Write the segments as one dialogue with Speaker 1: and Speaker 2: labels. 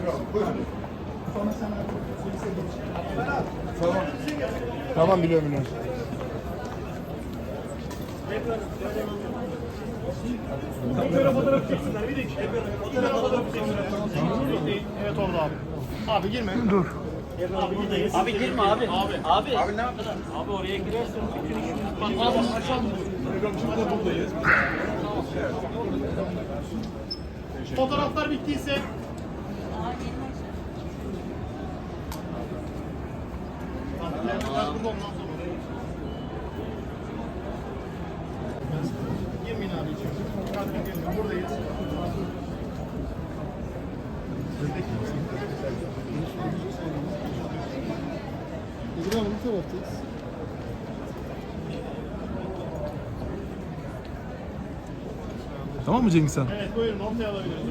Speaker 1: Tamam. Tamam biliyorum.
Speaker 2: Fotoğraf çeksinler. Bir dakika. Fotoğraf çeksinler. Evet orada abi. Abi girme.
Speaker 1: Dur.
Speaker 2: Abi buradayız.
Speaker 3: Abi girme abi. Abi
Speaker 2: ne yaptın?
Speaker 3: Abi oraya girersen bütün işimiz
Speaker 2: Abi aşağı Programcımızda buradayız. Fotoğraflar bittiyse burada ondan sonra. Girmeyin abi içeri. Buradayız.
Speaker 1: İzin Hanım bu taraftayız. Tamam mı Cengiz Han?
Speaker 2: Evet buyurun ortaya alabiliriz.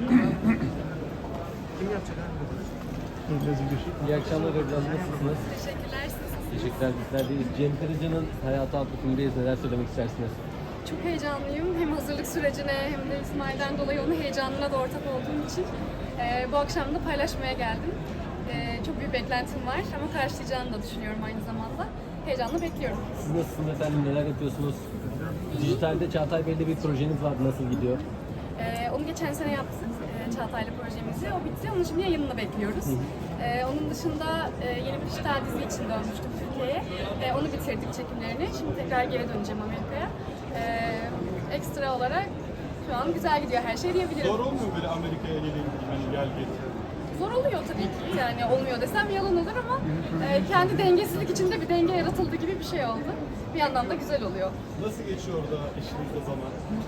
Speaker 2: Kim yapacak abi?
Speaker 3: İyi akşamlar Ebru, nasılsınız?
Speaker 4: Teşekkürler siz.
Speaker 3: Teşekkürler, bizler deyiz. Cem Karaca'nın hayatı adlı filmdeyiz. Neler söylemek istersiniz?
Speaker 4: Çok heyecanlıyım. Hem hazırlık sürecine hem de İsmail'den dolayı onun heyecanına da ortak olduğum için bu akşam da paylaşmaya geldim. Çok büyük beklentim var ama karşılayacağını da düşünüyorum aynı zamanda. Heyecanla bekliyorum.
Speaker 3: Siz nasılsınız efendim? Neler yapıyorsunuz? Dijitalde Çağatay Bey'le bir projeniz vardı. Nasıl gidiyor?
Speaker 4: Onu geçen sene yaptık. Çağatay'la projemizi. O bitti. Onun şimdi yayınını bekliyoruz. Onun dışında yeni bir dijital dizi için dönmüştüm Türkiye'ye. Onu bitirdik çekimlerini. Şimdi tekrar geri döneceğim Amerika'ya. Ekstra olarak şu an güzel gidiyor her şey diyebilirim.
Speaker 2: Zor olmuyor böyle Amerika'ya geleyim, hani gel git.
Speaker 4: Zor oluyor tabii ki. Yani olmuyor desem yalan olur ama kendi dengesizlik içinde bir denge yaratıldı gibi bir şey oldu. Bir yandan da güzel oluyor.
Speaker 2: Nasıl geçiyor orada işinizde zaman?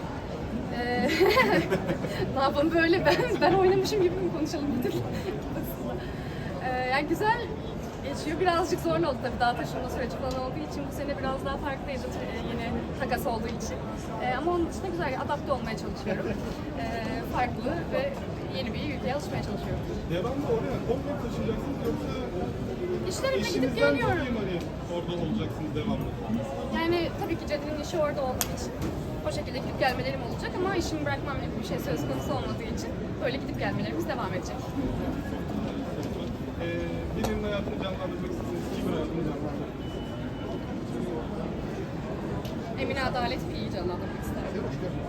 Speaker 4: Ne yapalım böyle ben oynamışım gibi mi konuşalım bir dur. Yani güzel geçiyor. Birazcık zor oldu tabii daha taşınma süreci falan olduğu için bu sene biraz daha farklıydı yeni takas olduğu için. Ama onun dışında güzel adapte olmaya çalışıyorum. Farklı ve yeni bir ülkeye alışmaya çalışıyorum.
Speaker 2: Devamlı oraya komple taşıyacaksınız yoksa
Speaker 4: İşlerimle gidip
Speaker 2: eşinizden
Speaker 4: geliyorum.
Speaker 2: dolayı mı hani orada olacaksınız devamlı?
Speaker 4: Yani tabii ki Cedi'nin işi orada olduğu için o şekilde gidip gelmelerim olacak ama işimi bırakmam gibi bir şey söz konusu olmadığı için böyle gidip gelmelerimiz devam edecek.
Speaker 2: Birinin hayatını canlandırmak istiyorsunuz. Kimin hayatını canlandırmak?
Speaker 4: Emine Adalet bir iyi canlandırmak isterdim.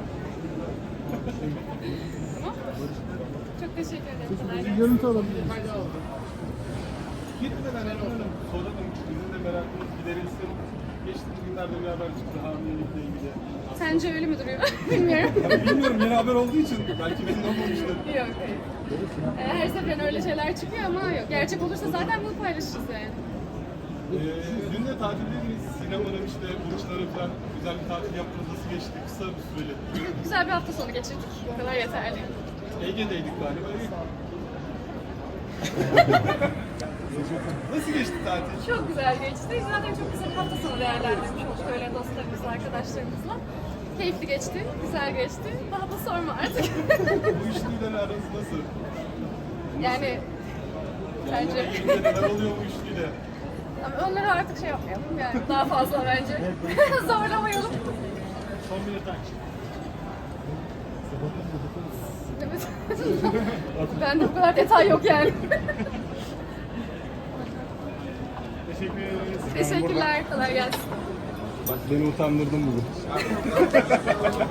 Speaker 4: Tamam. Çok teşekkür ederim. Kolay gelsin.
Speaker 1: Görüntü alabiliriz.
Speaker 2: Gitmeden hemen soralım. Bizim de merakımız giderilsin. Geçtiğimiz günlerde bir haber çıktı hamilelikle ilgili.
Speaker 4: Sence öyle mi duruyor? Bilmiyorum.
Speaker 2: Bilmiyorum yeni haber olduğu için belki benim olmamıştır.
Speaker 4: Yok hayır. Her seferinde öyle şeyler çıkıyor ama yok. Gerçek olursa zaten bunu paylaşırız yani.
Speaker 2: Dün de tatildeyiz. Sinemanın işte burçları falan güzel bir tatil yaptınız. Nasıl geçti? Kısa bir süreli.
Speaker 4: Güzel bir hafta sonu geçirdik. Bu kadar yeterli.
Speaker 2: Ege'deydik galiba. Nasıl geçti tatil?
Speaker 4: Çok güzel geçti. Zaten çok güzel bir hafta sonu değerlendirmiş olduk öyle dostlarımızla, arkadaşlarımızla. Keyifli geçti, güzel geçti. Daha da sorma artık.
Speaker 2: Bu üçlüyle aranız nasıl?
Speaker 4: Yani bence
Speaker 2: Bence neler oluyor bu üçlüyle?
Speaker 4: ama onları artık şey yapmayalım yani daha fazla bence. Zorlamayalım.
Speaker 2: Son bir detay.
Speaker 4: Evet. Bende bu kadar detay yok yani.
Speaker 2: Teşekkür ederiz.
Speaker 4: Teşekkürler, kolay gelsin.
Speaker 1: Bak beni utandırdın bugün.